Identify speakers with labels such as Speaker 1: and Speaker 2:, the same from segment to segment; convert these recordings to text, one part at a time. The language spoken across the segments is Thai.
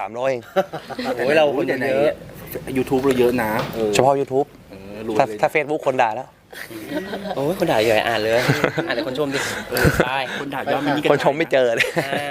Speaker 1: 300เอง
Speaker 2: โอ้ยเราคนเยอะ
Speaker 3: YouTube เราเยอะนะ
Speaker 1: เฉพาะ YouTube ถ้า Facebook คนด่าแล้ว
Speaker 2: โอ้ยคนด่าเยอะอ่านเลยอ่านแต่คนชมดิใช่
Speaker 3: คนด่ายอดมันนี่
Speaker 1: คนชมไม่เจอเลย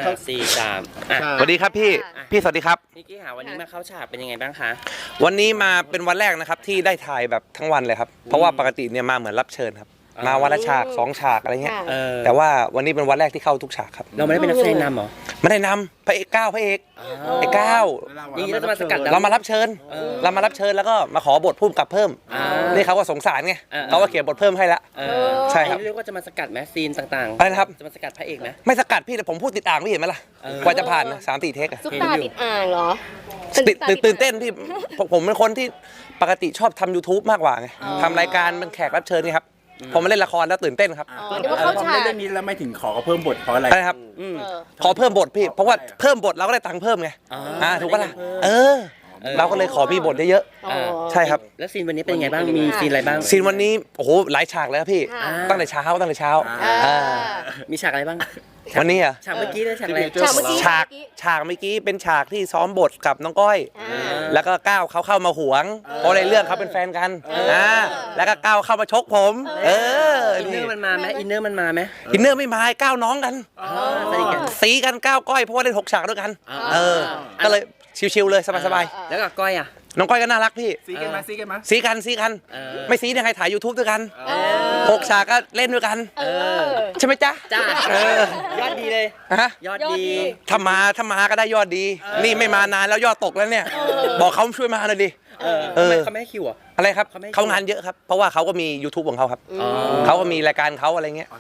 Speaker 2: 4 3
Speaker 1: สวัสดีครับพี่สวัสดีครับ
Speaker 2: นิกกี้หาวันนี้มาเข้าฉากเป็นยังไงบ้างคะ
Speaker 1: วันนี้มาเป็นวันแรกนะครับที่ได้ถ่ายแบบทั้งวันเลยครับเพราะว่าปกติเนี่ยมาเหมือนรับเชิญครับมาวันละฉาก2ฉากอะไรเงี้ยแต่ว่าวันนี้เป็นวันแรกที่เข้าทุกฉากครับ
Speaker 2: เราไม่ได้เป็นนักแสดงนำหรอ
Speaker 1: ไม่ได้นำพระเอกก้าวพระเอกไอ้ก้าว
Speaker 2: นี่เราจะมาสกัด
Speaker 1: เรามารับเชิญแล้วก็มาขอบทพุ่มกับเพิ่มนี่เขาก็สงสารไงเขาก็เขียนบทเพิ่มให้ละใช่ครับ
Speaker 2: เรียกว่าจะมาสกัดไหมซีนต่างๆ
Speaker 1: อะไรนะครับ
Speaker 2: จะมาสกัดพระเอกไหม
Speaker 1: ไม่สกัดพี่แต่ผมพูดติดอ่างพี่เห็นไหมล่ะกว่าจะผ่าน3-4 เทค
Speaker 4: ซุปตาติดอ่างเหรอ
Speaker 1: ตื่นเต้นพี่ผมเป็นคนที่ปกติชอบทำ YouTube มากกว่าไงทำรายการเป็นแขกรับเชิญนี่ครับผมมาเล่นละครแล้วตื่นเต้นครับ
Speaker 4: เดี๋ยวเขาฉาก
Speaker 3: เล่นนี้แล้วไม่ถึงขอเพิ่มบทเพราะอะไร
Speaker 1: ครับขอเพิ่มบทพี่เพราะว่าเพิ่มบทเราก็ได้ตังค์เพิ่มไงถูกปะล่ะเราก็เลยขอมีบทเยอะๆใช่ครับ
Speaker 2: แล้วซีนวันนี้เป็นยังไงบ้างมีซีนอะไรบ้าง
Speaker 1: ซีนวันนี้โอ้โหหลายฉากเลยครับพี่ตั้งแต่เช้า
Speaker 2: มีฉากอะไรบ้าง
Speaker 1: วันนี้อ่ะ
Speaker 2: ฉากเมื่อกี้ด้วยฉากอะไร
Speaker 1: ฉากเมื่อกี้เป็นฉากที่ซ้อมบทกับน้องก้อยแล้วก็ก้าวเขาเข้ามาหวงเพราะในเรื่องเขาเป็นแฟนกันแล้วก็ก้าวเข้ามาชกผม
Speaker 2: อินเนอร์มันมาไหมอินเนอร์
Speaker 1: ไม่มาก้าวน้องกันสีกันก้าวก้อยเพราะว่าเล่น6 ฉากด้วยกันก็เลยชิวๆเลยสบาย
Speaker 2: ๆแล้วกับก้อยอ่ะ
Speaker 1: น้องก้อยก็น่ารักพี่
Speaker 3: ซีกันมาซีกัน
Speaker 1: ไม่ซียังไงถ่าย YouTube ด้วยกัน6 ฉากก็เล่นด้วยกันใช่ไหมจ๊ะ
Speaker 2: ยอดดีเลยยอดดี
Speaker 1: ถ้ามาก็ได้ยอดดีนี่ไม่มานานแล้วยอดตกแล้วเนี่ยบอกเขาช่วยมาหน่อยดิ
Speaker 2: เขาไม่ให้คิว
Speaker 1: อะไรครับเขางานเยอะครับเพราะว่าเขาก็มี YouTube ของเขาครับเขาก็มีรายการเขาอะไรเงี้ย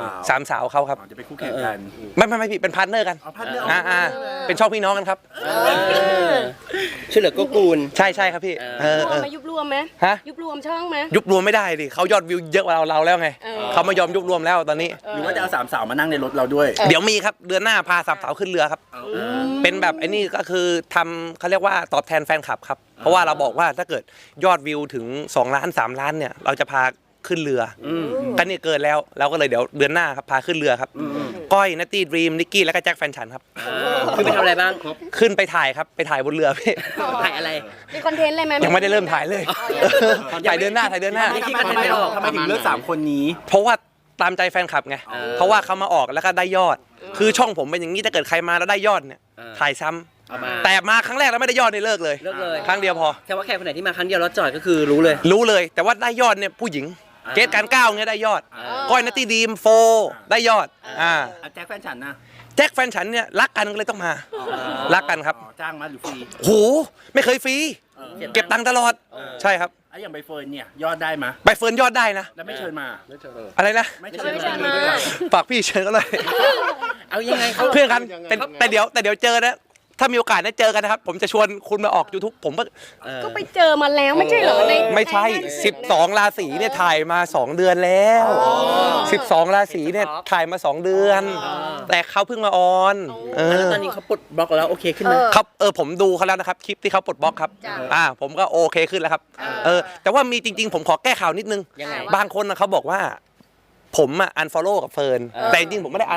Speaker 1: 3 สาวเขาครับ
Speaker 3: จะไปคู่แข่งกัน
Speaker 1: ไม่พี่เป็นพาร์ทเนอร์กันเป็นช่องพี่น้องกันครับ
Speaker 2: ช่วยเหลือก็กูล
Speaker 1: ใช่ครับพี่
Speaker 4: ยุบรวมไหมยุบรวมช่องไหม
Speaker 1: ยุบรวมไม่ได้ดิเขายอดวิวเยอะกว่าเราแล้วไงเขาไม่ยอมยุบรวมแล้วตอนนี้
Speaker 3: หรือว่าจะเอา3 สาวมานั่งในรถเราด้วย
Speaker 1: เดี๋ยวมีครับเดือนหน้าพา3 สาวขึ้นเรือครับเป็นแบบไอ้นี่ก็คือทำเขาเรียกว่าตอบแทนแฟนคลับครับเพราะว่าเราบอกว่าถ้าเกิดยอดวิวถึง2 ล้าน3 ล้านเนี่ยเราจะพาขึ้นเรือกันนี่เกินแล้วเราก็เลยเดี๋ยวเดือนหน้าครับพาขึ้นเรือครับก้อยนัตตี้ดรีมนิกกี้แล้วก็แจ็คแฟนฉันครับ
Speaker 2: คือไปทำอะไรบ้าง
Speaker 1: ขึ้นไปถ่ายครับไปถ่ายบนเรือพี่
Speaker 2: ถ่ายอะไร
Speaker 4: มีคอนเทนต์อะไรไหม
Speaker 1: ยังไม่ได้เริ่มถ่ายเลยถ่ายเดือนหน้า
Speaker 3: ทำไมถึงเลือก3 คนนี้
Speaker 1: เพราะว่าตามใจแฟนคลับไงเพราะว่าเขามาออกแล้วก็ได้ยอดคือช่องผมเป็นอย่างนี้ถ้าเกิดใครมาแล้วได้ยอดเนี่ยถ่ายซ้ำแต่มาครั้งแรกแล้วไม่ได้ยอดเนี่ยเลิกเลยครั้งเดียวพอ
Speaker 2: แค่ว่าแขกคนไหนที่มาครั้งเดียวแล้วจอดก็คือรู้
Speaker 1: เลยแต่ว่าได้ยอดเนี่ยผู้หญิงเกตการก้าวเงี้ยได้ยอดก้อยนัตตี้ดีมโฟได้ยอด
Speaker 3: แจ็คแฟนฉันนะ
Speaker 1: แจ็คแฟนฉันเนี่ยรักกันก็เลยต้องมารักกันครับ
Speaker 3: จ้างมาหรือฟรี
Speaker 1: โหไม่เคยฟรีเก็บตังค์ตลอดใช่ครับ
Speaker 3: อย่างใบเฟิร์นเนี่ยยอดได้ไหม
Speaker 1: ใบเฟิร์นยอดได้นะ
Speaker 3: แล้วไม่เชิญมา
Speaker 1: อะไรนะ
Speaker 3: ไม่เชิญมา
Speaker 1: ฝากพี่เชิญก็เลย
Speaker 2: เอายังไง
Speaker 1: เพื่อนกันแต่เดี๋ยวเจอนะถ้ามีโอกาสได้เจอกันนะครับผมจะชวนคุณมาออก YouTube ผม
Speaker 4: ก็ไปเจอมาแล้วไม่ใช่เหรอ
Speaker 1: ไม่ใช่12 ราศีเนี่ยถ่ายมา2 เดือนแล้ว12 ราศีเนี่ยถ่ายมา2 เดือนแต่เขาเพิ่งมาออน
Speaker 2: แล้วตอนนี้เขาปลดบล็อกแล้วโอเคขึ้นไหม
Speaker 1: ครับผมดูเขาแล้วนะครับคลิปที่เขาปลดบล็อกครับผมก็โอเคขึ้นแล้วครับแต่ว่ามีจริงๆผมขอแก้ข่าวนิดนึงบางคนเขาบอกว่าผมunfollow กับเฟิร์นแต่จริงๆผมไม่ได้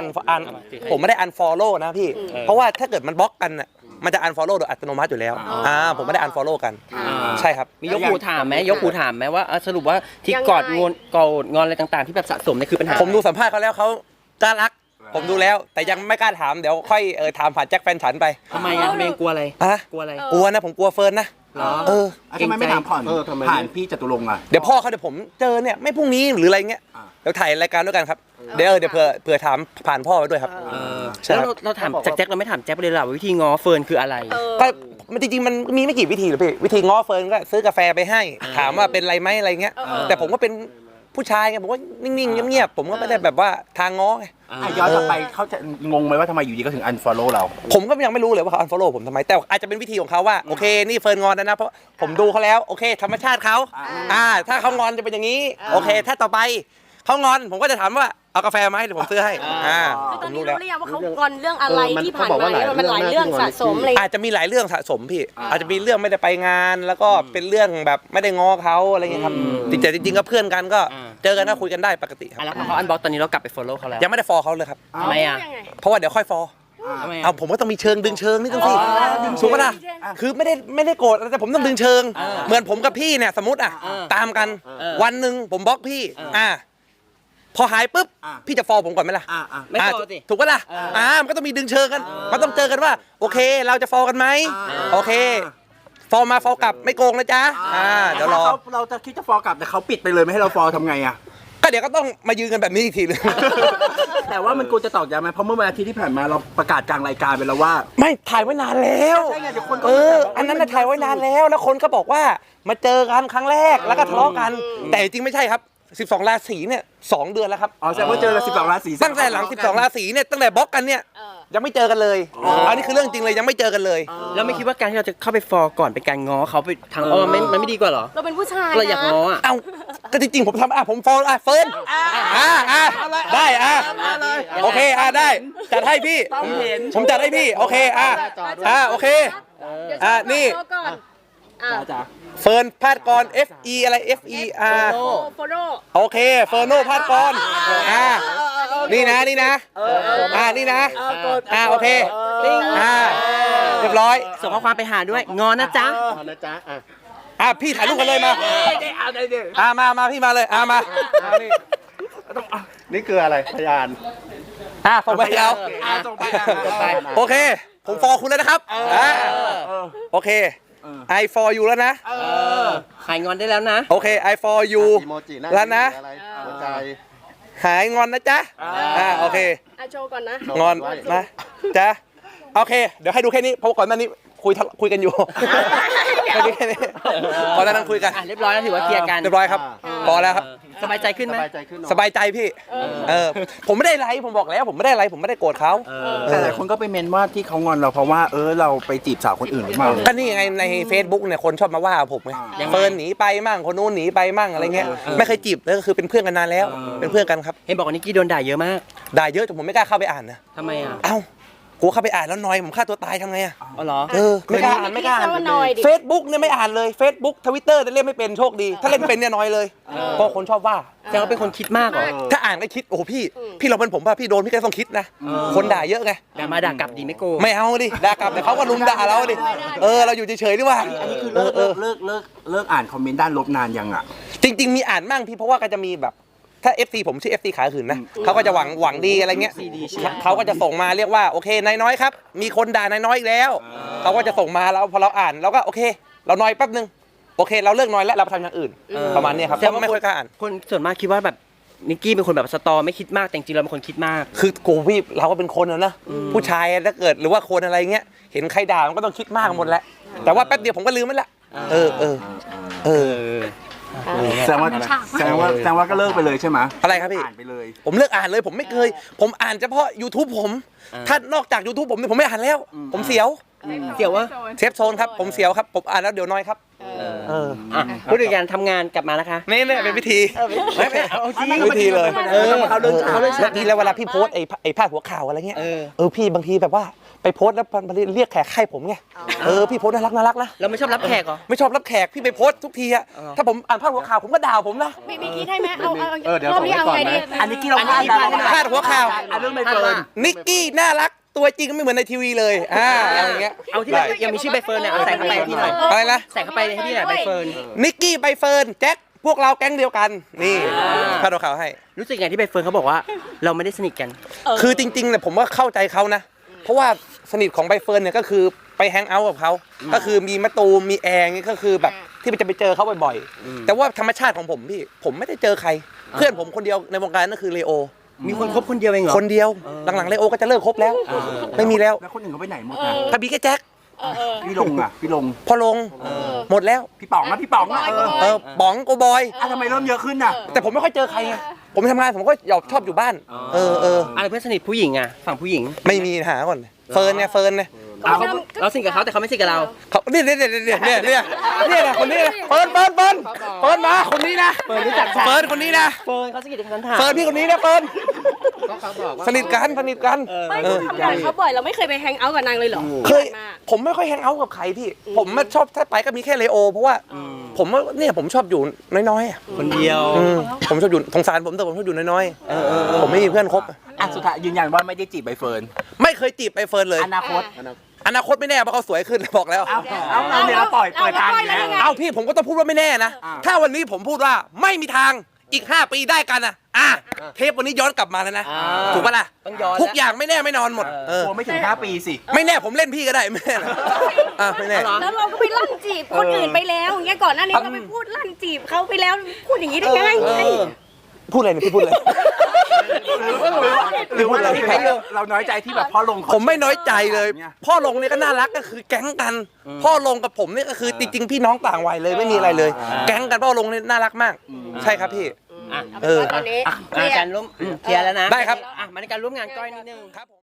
Speaker 1: unfollow นะพี่เพราะว่าถ้าเกิดมันบล็อกกันน่ะมันจะ unfollow โดยอัตโนมัติอยู่แล้วผมไม่ได้ unfollow กันใช่ครับ
Speaker 2: มียกหูถามไหมว่าสรุปว่าที่กอดงอนอะไรต่างๆที่แบบสะสมนี่คือปัญหา
Speaker 1: ผมดูสัมภาษณ์เขาแล้วเขาน่ารักผมดูแล้วแต่ยังไม่กล้าถามเดี๋ยวค่อยถามผ่านแจ็คแฟนฉันไป
Speaker 2: ทำไมเมงกลัวอะไร
Speaker 1: กลัวนะผมกลัวเฟิร์นนะ
Speaker 3: ทำไมไม่ถามผ่านพี่จตุรงค์
Speaker 1: เดี๋ยวพ่อเขาเดี๋ยวผมเจอเนี่ยไม่พรุ่งนี้หรืออะไรเงี้ยเดี๋ยวถ่ายรายการด้วยกันครับเดี๋ยวเผื่อถามผ่านพ่อไปด้วยครับ
Speaker 2: แล้วเราถามแจ็คเราไม่ถามแจ็คเลยหรอวิธีง้อเฟิร์นคืออะไร
Speaker 1: ก็จริงๆมันมีไม่กี่วิธีหรอกพี่วิธีง้อเฟิร์นก็ซื้อกาแฟไปให้ถามว่าเป็นไรไหมอะไรเงี้ยแต่ผมก็เป็นผู้ชายไงผมก็นิ่งๆเงียบๆผมก็ไม่ได้แบบว่าทางง้อไง
Speaker 3: ย้อนกลับไปเขาจะงงไหมว่าทำไมอยู่ดีก็ถึง unfollow เรา
Speaker 1: ผมก็ยังไม่รู้เลยว่าเขา unfollow ผมทำไมแต่อาจจะเป็นวิธีของเขาว่าโอเคนี่เฟิร์นงอนนะเพราะผมดูเขาแล้วโอเคธรรมชาติเขาถ้าเขางอนจะเป็นอย่างนี้โอเคถ้าต่อไปเขางอนผมก็จะถามว่าเอากาแฟมาให้เดี๋ยวผมซื้อให้
Speaker 4: ตอนนี้รู้แล้วว่าเขางอนเรื่องอะไรที่ผ่านมามันหลายเรื่องสะสมเลย
Speaker 1: อาจจะมีหลายเรื่องสะสมพี่อาจจะมีเรื่องไม่ได้ไปงานแล้วก็เป็นเรื่องแบบไม่ได้ง้อเขาอะไรเงี้ยครับจริงๆก็เพื่อนกันก็เจอกันก็คุยกันได้ปกติครับ
Speaker 2: แล้วพอเขาอันบล็อกตอนนี้เรากลับไป follow เขาแล้ว
Speaker 1: ยังไม่ได้ follow เขาเลยครับ
Speaker 2: ทำไม
Speaker 1: เพราะว่าเดี๋ยวค่อย follow
Speaker 2: ทำไม
Speaker 1: เอาผมก็ต้องมีเชิงดึงเชิงนี่ต้องสิถูกปะล่ะคือไม่ได้โกรธแต่ผมต้องดึงเชิง เหมือนผมกับพี่เนี่ยสมมติตามกันวันหนึ่งผมบล็อกพี่พอหายปุ๊บพี่จะฟอลผมก่อนไหมล่ะ
Speaker 2: ไม่พอสิ
Speaker 1: ถูกปะล่ะมันก็ต้องมีดึงเชิงกันมันต้องเจอกันว่าโอเคเราจะฟอลกันไหมโอเคฟอลมาฟอลกลับไม่โกงนะจ๊ะเดี๋ยวรอ
Speaker 3: เราจะคิดจะฟอลกลับแต่เขาปิดไปเลยไม่ให้เราฟอลทำไงอ่ะ
Speaker 1: ก็เดี๋ยวก็ต้องมายืนกันแบบนี้อีกทีนึง
Speaker 3: แต่ว่ามันควรจะตอกย้ำไหมเพราะเมื่อวันอาทิตย์ที่ผ่านมาเราประกาศกลางรายการไปแล้วว่า
Speaker 1: ไม่ถ่ายไว้นานแล้ว
Speaker 3: ใช่ไงเดี๋ยวคนก็
Speaker 1: อันนั้นน่ะถ่ายไว้นานแล้วแล้วคนก็บอกว่ามาเจอกันครั้งแรกแล้วก็ทะเลาะกัน แต่จริงไม่ใช่ครับ12 ราศีเนี่ย2 เดือนแล้วครับ
Speaker 3: อ๋อแสดงว่าเจอละ12 ราศี
Speaker 1: ตั้งแต่หลัง12 ราศีเนี่ยตั้งแต่บล็อกกันเนี่ยยังไม่เจอกันเลยอันนี้คือเรื่องจริงเลยยังไม่เจอกันเลย
Speaker 2: แล้วไม่คิดว่าการที่เราจะเข้าไปฟอร์ก่อนเป็นการง้อเขาไปทางอ้อมมันไม่ดีกว่าเหรอ
Speaker 4: เราเป็นผู้ชาย
Speaker 2: เราอยาก
Speaker 4: นะ
Speaker 2: ง้ออ่ะ
Speaker 1: เอ้าก็จริงๆผมทำผมฟอลเฟิร์นได้โอเคได้จัดให้พี่ผมจัดให้พี่โอเคโอเคนี่
Speaker 4: เดี๋ยวก่อน
Speaker 3: จ้า
Speaker 1: เฟิร์นพาดกร FE อะไร FE
Speaker 4: โฟโร่
Speaker 1: โอเคเฟิร์นโนพาดกรนี่นะนี่นะโอเคเรียบร้อย
Speaker 2: ส่งข้อความไปหาด้วยงอนะจ๊ะ
Speaker 5: นะจ๊ะ
Speaker 1: พี่ถ่ายรูปกันเลยมามาพี่มาเลยมานี่
Speaker 5: นี่คืออะไรพยาน
Speaker 1: ส่งไปเอา
Speaker 3: ส่งไป
Speaker 1: โอเคผมฟอลคุณแล้วนะครับโอเคI for you แล้วนะ
Speaker 2: หายงอนได้แล้วนะ
Speaker 1: โอเค I for you
Speaker 5: อีโมจิหน้า
Speaker 1: แล้วนะ
Speaker 5: อะไรหัวใจ
Speaker 1: หายงอนนะจ๊ะโอเค
Speaker 4: โชว์ก่อนนะ
Speaker 1: งอนนะจ๊ะโอเคเดี๋ยวให้ดูแค่นี้เพราะก่อนหน้านี้คุยกันอยู่แค่นี้ก่อนหน้านั้นคุยกัน
Speaker 2: เรียบร้อยแล้วถือว่าเคลียร์กัน
Speaker 1: เรียบร้อยครับพอแล้วครับ
Speaker 2: สบายใจขึ้นไหม
Speaker 5: สบายใจขึ้นเนอะ
Speaker 1: สบายใจพี่ผมไม่ได้ไรผมบอกแล้วผมไม่ได้ไรผมไม่ได้โกรธเขา
Speaker 3: แต่หลายคนก็ไปเมนว่าที่เขางอนเราเพราะว่าเราไปจีบสาวคนอื่นหรือเปล่า
Speaker 1: ก็นี่ไงใน Facebook เนี่ยคนชอบมาว่าผมไงเฟิร์นหนีไปมั่งคนนู้นหนีไปมั่งอะไรเงี้ยไม่เคยจีบเลยก็คือเป็นเพื่อนกันนานแล้วเป็นเพื่อนกันครับ
Speaker 2: เห็นบอกว่านิกกี้โดนด่าเยอะมาก
Speaker 1: ด่าเยอะจนผมไม่กล้าเข้าไปอ่านนะ
Speaker 2: ทำไมอ่ะ
Speaker 1: เอ้ากลัวเข้าไปอ่านแล้วนอยผมฆ่าตัวตายทำไงอะ
Speaker 2: อ๋อเหรอ
Speaker 1: ไม่กล้าอ่านไม่กล้าอ่าน เฟซบุ๊กเนี่ยไม่อ่านเลย Facebook Twitter เล่นไม่เป็นโชคดี ถ้าเล่นเป็นเนี่ยน้อยเลยเพราะคนชอบว่า
Speaker 2: แสดงว่าเป็นคนคิดมากเหรอ
Speaker 1: ถ้าอ่านก็คิดโอ้โหพี่เราเป็นผมป่ะพี่โดนพี่ก็ต้องคิดนะคนด่าเยอะไง
Speaker 2: ด่ามาด่ากลับดีไม่โกง
Speaker 1: ไม่เอาดิด่ากลับแต่เขาก็ลุมด่าเราดิเราอยู่เฉยๆดีกว่า
Speaker 3: อันนี้คือเลิกอ่านคอมเมนต์ด้านลบนานยังอ่ะ
Speaker 1: จริงๆมีอ่านมั่งพี่เพราะว่าก็จะมีแบบถ้า FC ผมชื่อ FC ขายหืนนะเขาก็จะหวังดีอะไรเงี้ยเขาก็จะส่งมาเรียกว่าโอเคนายน้อยครับมีคนด่านายน้อยอีกแล้วเขาก็จะส่งมาแล้วพอเราอ่านเราก็โอเคเราน้อยแป๊บนึงโอเคเราเลิกน้อยแล้วเราไปทำอย่างอื่นประมาณนี้ครับเพราะไม่ค่อยกล้าอ่าน
Speaker 2: คนส่วนมากคิดว่าแบบนิกกี้เป็นคนแบบสตอไม่คิดมากแต่จริงๆเราเป็นคนคิดมาก
Speaker 1: คือกูพี่เราก็เป็นคนนะผู้ชายถ้าเกิดหรือว่าคนอะไรเงี้ยเห็นใครด่ามันก็ต้องคิดมากหมดแหละแต่ว่าแป๊บเดียวผมก็ลืมมันละ
Speaker 3: แสดงว่าก็เลิกไปเลยใช่ไหม
Speaker 1: อะไรครับพี่
Speaker 3: อ่านไปเลย
Speaker 1: ผมเลิกอ่านเลยผมไม่เคยผมอ่านเฉพาะ YouTube ผมถ้านอกจาก YouTube ผมเนี่ยผมไม่อ่านแล้วผมเสียว
Speaker 2: เดี๋ยวว่า
Speaker 1: เซฟโซนครับผมเสียวครับผมอ่านแล้วเดี๋ยวน้อยครับ
Speaker 2: พูดถึงการทำงานกลับมานะคะ
Speaker 1: นี่เป็นวิธีไม่เอาจริงวิธีเลย
Speaker 3: เอาเรื่องเอาเรื่อง
Speaker 1: แล้วทีแล้วเวลาพี่โพสไอ้พาดหัวข่าวอะไรเงี้ยพี่บางทีแบบว่าไปโพสแล้วมันเรียกแขกให้ผมไงพี่โพสน่ารักนะ
Speaker 2: เราไม่ชอบรับแขกเหรอ
Speaker 1: ไม่ชอบรับแขกพี่ไปโพสทุกทีอะถ้าผมอ่านพาดหัวข่าวผมก็ด่าผมนะ
Speaker 4: มีคิดให้ไหมเอา
Speaker 5: เดี๋ยว
Speaker 4: รอบนี้เอาไงดี
Speaker 3: อันนี้ที่เราพลาดแล้ว
Speaker 1: พาดหัวข่าว
Speaker 3: เรื่องไม่เฟิร์น
Speaker 1: นิกกี้น่ารักตัวจริงก็ไม่เหมือนในทีวีเลยอะไรอย่างเงี้ย
Speaker 2: เอาที่ยังมีชื่อใบเฟิร์นเนี่ยเอาใส่เข้าไปให้พี่หน่อย
Speaker 1: อะไรนะ
Speaker 2: ใส่เข้าไปให้พี่หน่อยใบเฟิร์น
Speaker 1: นิกกี้ใบเฟิร์นแจ็คพวกเราแก๊งเดียวกันนี่พาดหัวข่าวให้
Speaker 2: รู้สึกไงที่ใบเฟิร์นเขาบอกว่าเราไม่ได้สนิทกัน
Speaker 1: คือจริงๆเนี่ยผมว่าเข้าใจเขานะเพราะว่าสนิทของใบเฟิร์นเนี่ยก็คือไปแฮงเอาท์กับเขาก็คือมีมะตูมมีแองนี่ก็คือแบบที่จะไปเจอเขาบ่อยๆแต่ว่าธรรมชาติของผมพี่ผมไม่ได้เจอใครเพื่อนผมคนเดียวในวงการนั่นคือเลโอ
Speaker 2: มีคนคบคนเดียวเองเหรอ
Speaker 1: คนเดียวหลังๆเลโอก็จะเลิกคบแล้วไม่มีแล้ว
Speaker 3: แล้วคนอื่นเขาไปไหนหมดนะ
Speaker 1: ถ้าบีแค่แจ็ค
Speaker 3: พี่ลงอ่ะพี่ลง
Speaker 1: พอลงหมดแล้ว
Speaker 3: พี่ป๋องนะพี่ป๋องอ่ะ
Speaker 1: ป๋องโกบอย
Speaker 3: ทำไมเริ่มเยอะขึ้นน่ะ
Speaker 1: แต่ผมไม่ค่อยเจอใครไงผมทำงานผมก็ชอบอยู่บ้าน
Speaker 2: อะไรเพื่อนสนิทผู้หญิงอ่ะฝั่งผู้หญิง
Speaker 1: ไม่มีหาก่อนเฟิร์นเนี่ย
Speaker 2: เราสนิทกับเขาแต่เขาไม่สนิทกับเรา
Speaker 1: เขาเนี่ยนะคนนี้นะเฟิร์นมาคนนี้นะเฟิร์นรู้จักเฟิร์นคนนี้นะ
Speaker 2: เฟิร์นเขาสนิทกับฉันถาม
Speaker 1: เฟิร์นพี่คนนี้นะเฟิร์น
Speaker 5: เขาบอกว่า
Speaker 1: สนิทกัน
Speaker 4: ไม่ต้องทำงานเขาบ่อยเราไม่เคยไปแฮงเอาท์กับนางเลยเหรอ
Speaker 1: เคยผมไม่ค่อยแฮงเอาท์กับใครพี่ผมชอบถ้าไปก็มีแค่เลโอเพราะว่าผมเนี่ยผมชอบอยู่น้อยๆ
Speaker 2: คนเดียว
Speaker 1: ผมชอบอยู่สงสารผมแต่ผมชอบอยู่น้อยๆผมไม่มีเพื่อนคบ
Speaker 3: อ่ะสุดท้ายยืนยันว่าไม่ได้จีบใบเฟิร์น
Speaker 1: ไม่เคยจีบไปเฟิร์นเลย
Speaker 3: อนาคต
Speaker 1: อนาคตไม่แน่เพราะเขาสวยขึ้นบอกแล้ว
Speaker 3: เอาเนี่ยเราปล่อยทางอยู่แล้ว
Speaker 1: เอาพี่ผมก็ต้องพูดว่าไม่แน่นะ ถ้าวันนี้ผมพูดว่าไม่มีทางอีก 5 ปีได้กันเทปวันนี้ย้อนกลับมาแล้วนะ ถูกปะล่ะ
Speaker 2: ต้องย้อน
Speaker 1: ทุกอย่างไม่แน่ไม่นอนหมด
Speaker 3: กลัวไม่ถึง5 ปีสิ
Speaker 1: ไม่แน่ผมเล่นพี่ก็ได้ไม่แน่นะไม่แน่
Speaker 4: แล้วเราก็ไปลั่นจีบคนอื่นไปแล้วอย่างเงี้ยก่อนหน้านี้เราไปพูดลั่นจีบเขาไปแล้วพูดอย่างนี้ได้ไง
Speaker 1: พูดอะไรเนี่ยพี่พูดอะไร
Speaker 3: หรือว่าเราน้อยใจที่แบบพ่อลง
Speaker 1: ผมไม่น้อยใจเลย พ่อลงเนี่ยก็น่ารักก็คือแก๊งกัน พ่อลงกับผมเนี่ยก็คือจริงๆพี่น้องต่างวัยเลยไม่มีอะไรเลย แก๊งกันพ่อลงเนี่ยน่ารักมาก ใช่ครับพี่
Speaker 4: ตอนนี้
Speaker 2: การร่วมเคลียร์แล้วนะ
Speaker 1: ได้ครับ
Speaker 2: มาในการร่วมงานก้อยนิดนึง
Speaker 1: ครับผม